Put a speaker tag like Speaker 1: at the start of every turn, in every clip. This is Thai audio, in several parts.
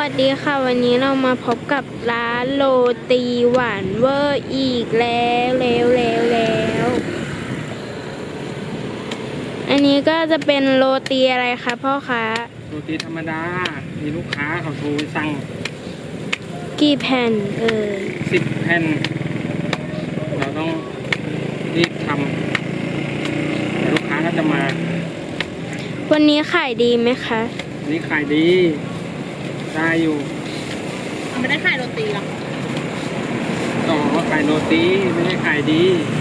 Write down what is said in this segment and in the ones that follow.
Speaker 1: วัสดีค่ะวันนี้เรามาพบกับร้านโรตีหวานเวอร์อีกแล้วอันนี้ก็จะเป็นโรตีอะไรคะพ่อคะ
Speaker 2: โรตีธรรมดามีลูกค้าเขาโทรสั่ง
Speaker 1: กี่แผ่น
Speaker 2: 10 แผ่นเราต้องรีบทำลูกค้าก็จะมา
Speaker 1: วันนี้ขายดีไหมคะ
Speaker 2: วันนี้ขายดีได้อยู่
Speaker 3: ไม่ได้ขายโรตีหรอ
Speaker 2: ต่อว่าขายโรตีไม่ได้ขายดี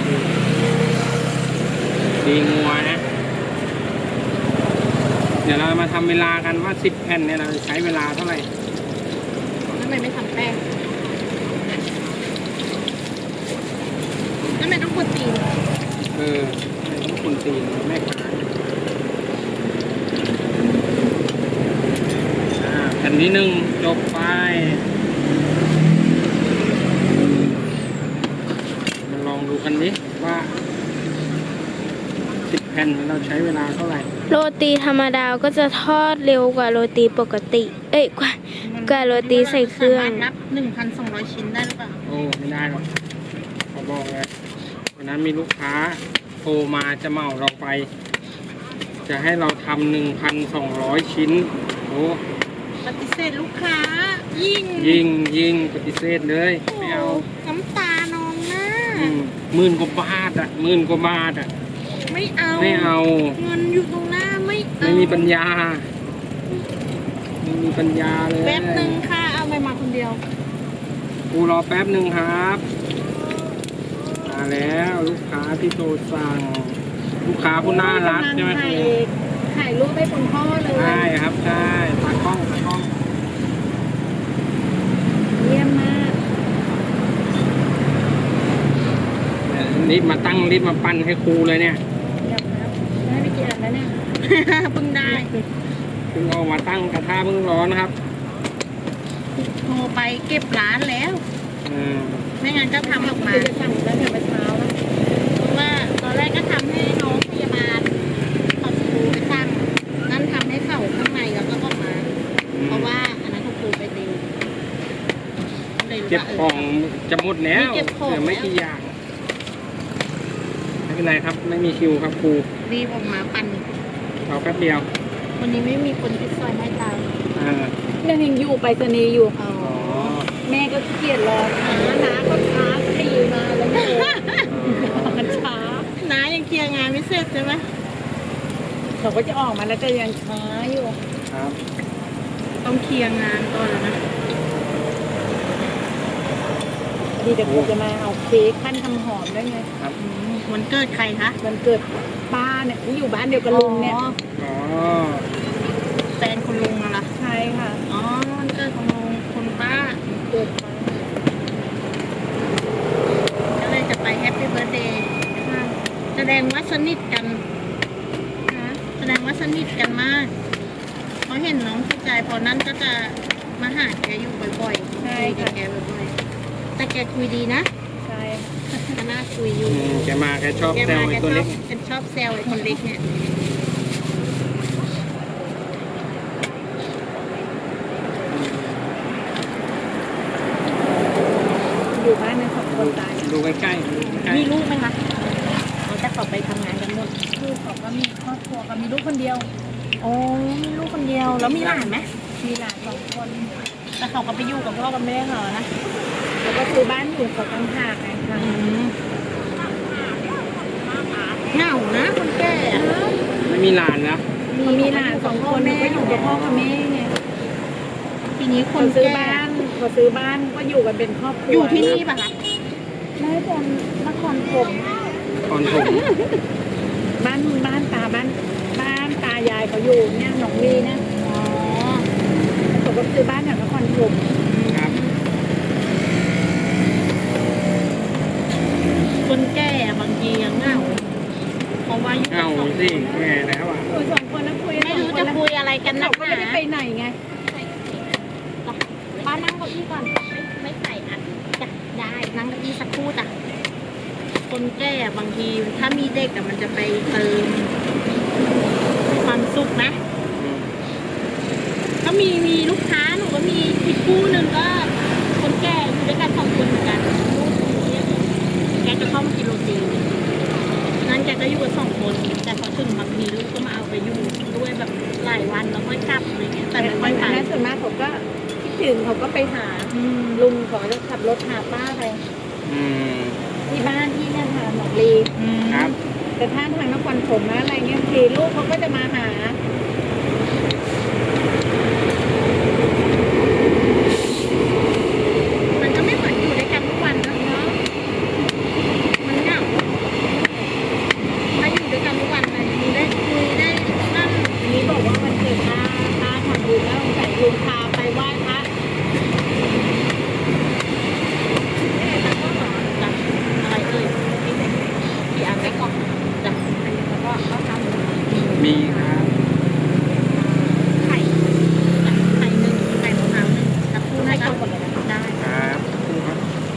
Speaker 2: งัวนะเดี๋ยวเรามาทำเวลากันว่า10 แผ่นเนี่ยเราใช้เวลาเท่าไหร่
Speaker 3: ทำไมไม่ทำแป้งทำไมต้องกดตีน
Speaker 2: ต้องคนตีนแม่ขายแผ่นที่1จบไปมาลองดูกันดิว่า10 แผ่นเราใช้เวลาเท่าไหร่
Speaker 1: โรตีธรรมดาก็จะทอดเร็วกว่าโรตีปกติกว่าโรตีใส่เครื่อง
Speaker 3: นับ 1,200 ชิ้นได้หรือเปล่า
Speaker 2: โอ้ไม่ได้หรอกเขาบอกเลยวันนั้นมีลูกค้าโทรมาจะเหมาเราไปจะให้เราทำ1,200 ชิ้นโอ้
Speaker 3: ปฏิเสธลูกค้า
Speaker 2: ยิงปฏิเสธเลยไม่เอา
Speaker 3: น้ำตานองหน้า
Speaker 2: 10,000 กว่าบาทอ่ะ
Speaker 3: ไม่เอา เงินอยู่ตรงหน้า
Speaker 2: ไม่มีปัญญาเลย
Speaker 3: แป๊บนึงค่ะเอาไปมาคนเดียว
Speaker 2: กูรอแป๊บนึงครับมาแล้วลูกค้าที่โทรสั่งลูกค้าผู้น่ารักใช่ไหมครับ
Speaker 3: ถ่ายรูปให้คุณพ่อเลย
Speaker 2: ใช่ครับใช่ตากล้อง
Speaker 3: เยี่ยมมาก
Speaker 2: รีบมาปั้นให้ครูเลยเนี่ย
Speaker 3: ได้ไปกี่อันแล้วเนี่ยเพิ่งได้
Speaker 2: เพิ่งเอามาตั้งกระทะเพิ่งร้อนนะครับ
Speaker 3: โทรไปเก็บร้านแล้วไม่งั้นก็ทำออกมาจะสั่งแล้วเดี๋ยวไปเช้าแล้วเพราะว่าตอนแรกก็ทำให้น้องพยาบาลเขาครูไปสั่งนั่นทำให้เข่าข้างในแล้วก็ออกมาเพราะว่าอันนั้นครูไปติว
Speaker 2: เก็บของจะหมดแล้วเหลือไม่กี่อย่างไม่เป็นไรครับไม่มีคิวครับครู
Speaker 3: รีบออกมาปั่น
Speaker 2: เราแป๊บเดียว
Speaker 3: วันนี้ไม่มีคนที่ซอยให้ตาม
Speaker 1: ยังอยู่ไปสนีอยู่
Speaker 3: แม่ก็เกลียดรอน้าก็ช้าตีมาแล้วมันช้าน้ายังเคลียร์งานไม่เสร็จใช่ไหม
Speaker 1: เขาก็จะออกมาแล้วแต่ยังช้าอยู่
Speaker 2: ครับ
Speaker 3: ต้องเคลียร์งานก่อนแล้วนะ
Speaker 1: ดีเดี๋ยวกูจะมาเอาเค้กขั้นทำหอมได้ไง
Speaker 2: ครับ
Speaker 3: วันเกิดใครคะ
Speaker 1: วันเกิดป้าเนี่ยที่อยู่บ้านเดียวกับลุงเนี่ย
Speaker 3: แฟนคุณลุงเหรอ
Speaker 1: ใช่ค่ะ
Speaker 3: วันเกิดของลุงคุณป้า
Speaker 1: เกิดป้า
Speaker 3: ก็เลยจะไปแฮปปี้เบิร์ธเดย์แสดงว่าสนิทกันมากเขาเห็นน้องที่ใจพอนั้นก็จะมาหาแกอยู่บ่อยๆ
Speaker 1: ใช่ค่ะ
Speaker 3: แกบ่อยๆแต่แกคุยดีนะ
Speaker 1: ใช่
Speaker 3: ก็น่าคุยอยู่
Speaker 2: แกชอบแซวไอ้ตัวเล็ก
Speaker 3: เป็นชอบแซวไอ้คนเล็กเนี่ย
Speaker 1: อยู่บ้านในสองคนตาย
Speaker 2: ดูใกล้
Speaker 3: มีลูกไหมคะเขาจะขอไปทำงานกันหมด
Speaker 1: ลูกเขาก็มีครอบครัวก็มีลูกคนเดียว
Speaker 3: มีลูกคนเดียวแล้วมีหลานไหม
Speaker 1: มีหลาน2 คน
Speaker 3: แต่เขาก็ไปอยู่กับพ่อกับแม่เขานะ
Speaker 1: แล้วก็ซื้อบ้านอยู่เขาตั้งหากไงค่ะ
Speaker 3: เหงานะคนแก่
Speaker 2: ไม่มีหลานนะ
Speaker 1: มีหลาน2 คนก็อยู่กับพ่อกับแม่ไง
Speaker 3: ทีนี้คน
Speaker 1: ซื้อบ้านเขาซื้อบ้านก็อยู่กันเป็นครอบครัว
Speaker 3: อยู่ที่นี่ป่ะคะ
Speaker 1: ไม่เป็นนครถมบ้านตายายเขาอยู่เนี่ยหนองลีนะเขาก็ซื้อบ้านแถวนครถม
Speaker 2: ครับ
Speaker 3: คนแก่บางทียังเหงาเพราะว่า
Speaker 2: เหงาสิแก่แล้วอ่ะ
Speaker 1: คุย2 คนนะคุย
Speaker 3: ไม่รู้จะคุยอะไรกันนะ
Speaker 1: ไม่ได้ไปไหนไง
Speaker 3: ป้านั่งเก้าอี้ก่อนไม่ใส่อัดจะได้นั่งเก้าอี้สักครู่จ้ะคนแก่บางทีถ้ามีเด็กมันจะไปเติมความสุขนะก็มีลูกค้าหนูก็มีคู่หนึ่งก็คนแก่อยู่ด้วยกัน2 คนเหมือนกันแกจะเข้ามากินโรตีนั้นแกก็อยู่กัน2 คนแต่พอถึงบางทีลูกก็มาเอาไปอยู่ด้วยแบบหลายวันแล้วค่อยกลับอะไรเงี้ยแต่ไม่ค่อยไป
Speaker 1: อันนั้นส่วนมากเขาก็คิดถึงเขาก็ไปหาลุงเขาจะขับรถหาป้าไป
Speaker 2: อืม
Speaker 1: ที่บ้านที่เนี่ยค่ะหนองลี
Speaker 2: ครับ
Speaker 1: แต่ถ้าทางนครปฐมนะอะไรเงี้ยทีลูกเขาก็จะมาหา
Speaker 3: มันก็ไม่เหมือนอยู่ด้วยกันทุกวันนะเนาะมันเหงาถ้าอยู่ด้วยกันทุกวันเลยมีได้คุยได้นั่น
Speaker 1: อันนี้บอกว่าวันเกิดป้าทำบุญแล้วใส่ลุงพาไปไหว้พระ
Speaker 3: จ้ะอะไรเอ่ยกี่อันไม่กล่องจ้ะแล้วก็เขาทำ
Speaker 2: มีครับ
Speaker 3: ไข่จ้ะไข่หนึ่งไข่มะพร้าวหนึ่งกับคู่ให้ก็ได้
Speaker 2: ครับครับ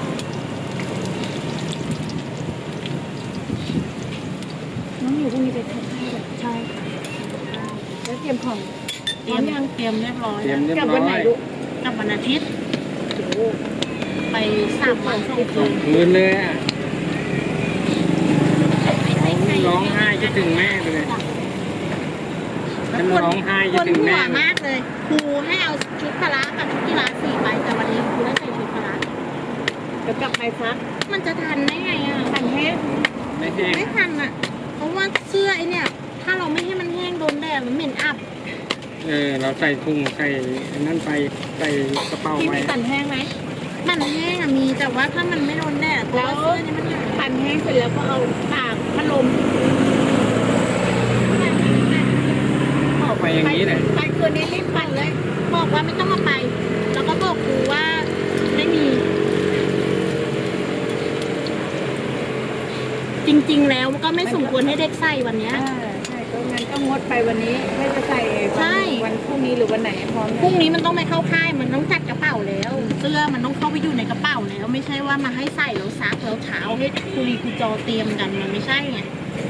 Speaker 1: น้องอยู่พรุ่งนี้ไปทานข้าวแบบ
Speaker 3: ใช่ค่ะ
Speaker 1: แล้วเตรียมของ
Speaker 3: เตรียมเรียบร้อย
Speaker 2: เตรียม
Speaker 3: แล้ว
Speaker 2: เรียบ
Speaker 1: กลับ
Speaker 2: ร้
Speaker 1: วัน
Speaker 2: อ
Speaker 1: ไหน
Speaker 2: ย
Speaker 1: ลูก
Speaker 3: กลับวันอาทิตย์
Speaker 1: โอ้โห
Speaker 3: ไป3 วัน2 คืน
Speaker 2: คืนเลยอ่ะร้องไห้คิดถึงแม่ไปเลยฉันร้องไห้คิด
Speaker 3: คน
Speaker 2: ถึง
Speaker 3: หั
Speaker 2: แม่
Speaker 3: วมากเลยครูให้เอาชุดพละกับชุดกีฬา4 ใบแต่วันนี้ครูได้ใส่ชุดพละ
Speaker 1: เดี๋ยวกลับไปซัก
Speaker 3: มันจะทันได้ไงอ่ะ
Speaker 1: ทันแห้ง
Speaker 2: ไม่แห้ง
Speaker 3: ไม่ทันอ่ะ เพราะว่าเสื้อไอเนี่ย ถ้าเราไม่ให้มันแห้งโดนแดดมันเหม็นอับ
Speaker 2: เราใส่ถุงใส่นั่นไปใส่กระเป๋า
Speaker 1: ที่
Speaker 2: ไป
Speaker 1: มีตันแห้งไหม
Speaker 3: มันแห้งอะมีแต่ว่าถ้ามันไม่โดนแดดเพราะว่าเสื้อนี่มันหนา
Speaker 1: ตันแห้งเสร็จแล้วก็เอาตากพัดลม
Speaker 2: เข้าไปอย่างนี้แหละ
Speaker 1: ไปคืนนี้รีบปั่นเลย
Speaker 3: บอกว่าไม่ต้องมาไป แล้วก็บอกครูว่าไม่มี จริงๆแล้วก็ไม่สมควรให้เด็กใส่วันเนี้ย
Speaker 1: ใช่ก็งั้นก็งดไปวันนี้ไม่จะใส่
Speaker 3: ใช่
Speaker 1: วันพรุ่งนี้หรือวันไหนพร้อม
Speaker 3: พรุ่งนี้มันต้องไปเข้าค่ายมันต้องจัดกระเป๋าแล้ว เสื้อมันต้องเข้าไปอยู่ในกระเป๋าแล้ว ไม่ใช่ว่ามาให้ใส่แล้วซักแล้วเช้าให้คุรีคุจอเตรียมกันมันไม่ใช่ไง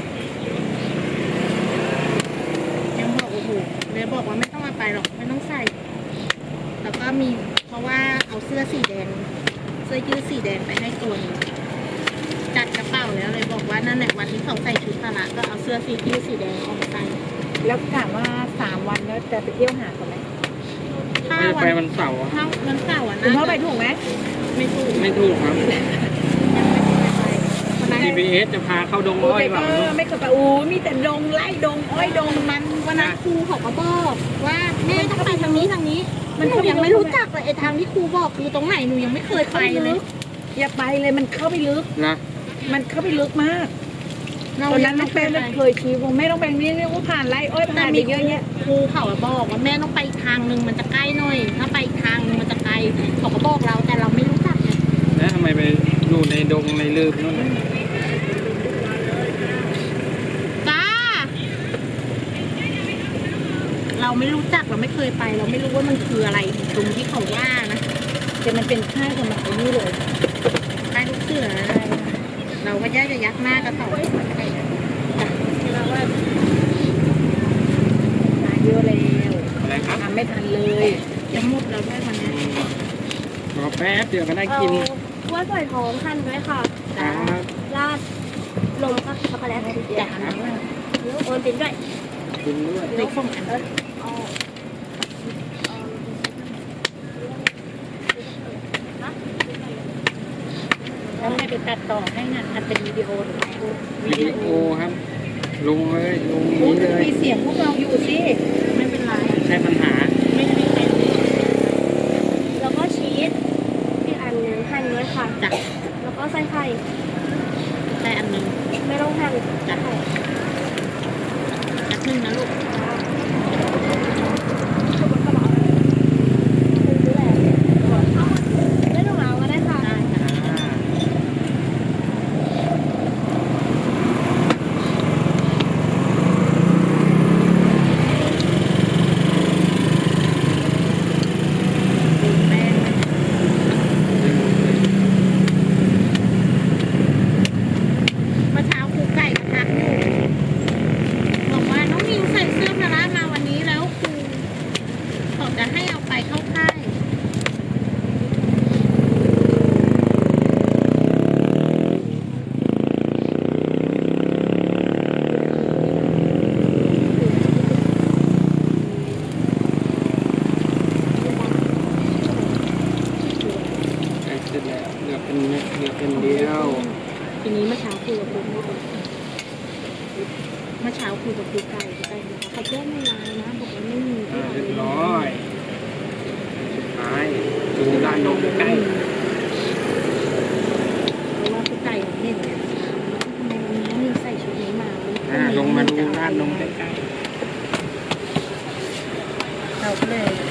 Speaker 3: ยังบอกโอ้โหเลยบอกว่าไม่ต้องมาไปหรอกไม่ต้องใส่ แล้วก็มีเพราะว่าเอาเสื้อสีแดงเสื้อยืดสีแดงไปให้ตัวหนึงจัดกระเป๋าแล้วเลยบอกว่านั่นแหละวันที่เขาใส่ชุดพละก็เอาเสื้อสียืดสีแดงออกมาใส่
Speaker 1: แล้วถามว่า3 วันแล้วจะไปเที่ยวหาเขาไหม
Speaker 3: ถ้า
Speaker 2: ไม่
Speaker 3: วั
Speaker 2: ไป
Speaker 3: น
Speaker 2: วันเสาร์อะ
Speaker 3: ถ้าวันเสาร์อ่ะ
Speaker 1: คุณ
Speaker 3: นะ
Speaker 1: พ่อไปถูกไหม
Speaker 3: ไม่ถูก
Speaker 2: ไม่ถูกครับ
Speaker 3: ยังไม่ได้ไปวันนั้น
Speaker 2: GPS จะพาเข้าดง
Speaker 1: โอ้
Speaker 2: อ้อย
Speaker 1: ย
Speaker 2: เปล่า
Speaker 1: ไม่เคยไปอู้มีแต่ดงไล่ดงอ้อยดงมัน
Speaker 3: วันนั้นครูเขาก็บอกว่าแม่ต้องไปทางนี้ทางนี้มันหนูยังไม่รู้จักเลยไอ้ทางที่ครูบอกคือตรงไหนหนูยังไม่เคยไปเลย
Speaker 1: อย่าไปเลยมันเข้าไปลึก
Speaker 2: นะ
Speaker 1: มันเข้าไปลึกมาก
Speaker 3: เรา
Speaker 1: ตอน
Speaker 3: ยั
Speaker 1: นั้น
Speaker 3: ง
Speaker 1: น้
Speaker 3: ไม่
Speaker 1: อง
Speaker 3: เค
Speaker 1: แป้
Speaker 3: ย
Speaker 1: ง
Speaker 3: ไป
Speaker 1: เคยชี้ผมไม่ต้องไปนี่เรียกว่าผ่านไล่อ้อย
Speaker 3: แต่
Speaker 1: ผ่านไป
Speaker 3: มี
Speaker 1: เยอะแยะ
Speaker 3: ครูเขาบอกว่าแม่ต้องไปอีกทางนึงมันจะใกล้หน่อย ถ้าไปอีกทางนึงมันจะไกลเขาก็บอกเราแต่เราไม่รู้จักไง
Speaker 2: แล้วทำไมไปอยู่ในดงในลืบนู่นน่ะ
Speaker 3: จ้าเราไม่รู้จักเราไม่เคยไป เราไม่รู้ว่ามันคืออะไรตรงที่เขาว่านะ
Speaker 1: แต่มันเป็นค่ายสมัยนี้เลย
Speaker 3: ใต้ลูกเสืออะไรเราก็ย่าจะยักหน้ากับเขาจ้ะ
Speaker 1: หาเยอะแล้ว
Speaker 2: อะไรครับ
Speaker 1: ทำไม่ทันเลย
Speaker 3: จะหมดแล้วด้วยวันนี้
Speaker 2: รอแป๊บเดี๋ยวก็ได้กิน
Speaker 4: กล้วยฝอยทองหั่นไว้ค่ะ
Speaker 2: ครับ
Speaker 4: ราดนมกับช็อกโกแลต
Speaker 3: จ้ะ
Speaker 4: โอนตินด้วย
Speaker 2: กินด้วย
Speaker 3: เด็กส่งอัน
Speaker 1: แล้วให้ไปตัดต่อให้งานอัดเป็นวิดีโอหรือไง
Speaker 2: วิดีโอครับ ลงเลยลง
Speaker 1: โอ้
Speaker 2: นี้เลย
Speaker 1: มีเสียงพวกเราอยู่สิ
Speaker 3: ไม่เป็นไร
Speaker 2: ใช่ปัญหา
Speaker 3: ไม่ได้มีใครรู้
Speaker 4: แล้วก็ชีสอีกอันหนึงหั่นไว้ค่ะ
Speaker 3: จ้ะ
Speaker 4: แล้วก็ใส่ไข่
Speaker 3: แต่อันหนึ่ง
Speaker 4: ไม่ต้องหั่น
Speaker 3: จ้ะ
Speaker 4: ไข่
Speaker 3: อันหนึ่งนะลูก
Speaker 4: ไม่ต้องเอาก็ได้ค่ะ
Speaker 3: ได้ค่ะ ดูแป้งนะเมื่อเช้าครูไก่มาทักอยู่บอกว่าน้องมิวใส่เสื้อพละมาวันนี้แล้วครูเขาจะให้เอาไปเข้าค่าย
Speaker 1: คือไก่เขาแจ้งในไลน์นะบอกว่าไม่มี
Speaker 2: เรียบร้อยสุดท้ายดูร้านนมใกล้
Speaker 1: เพราะว่าคือไก่ของเห็นเนี่ยทำไมวันนี้นี่ใส่ชุดนี้มา
Speaker 2: ลงมาดูร้านนมใกล้
Speaker 1: เราก็เลย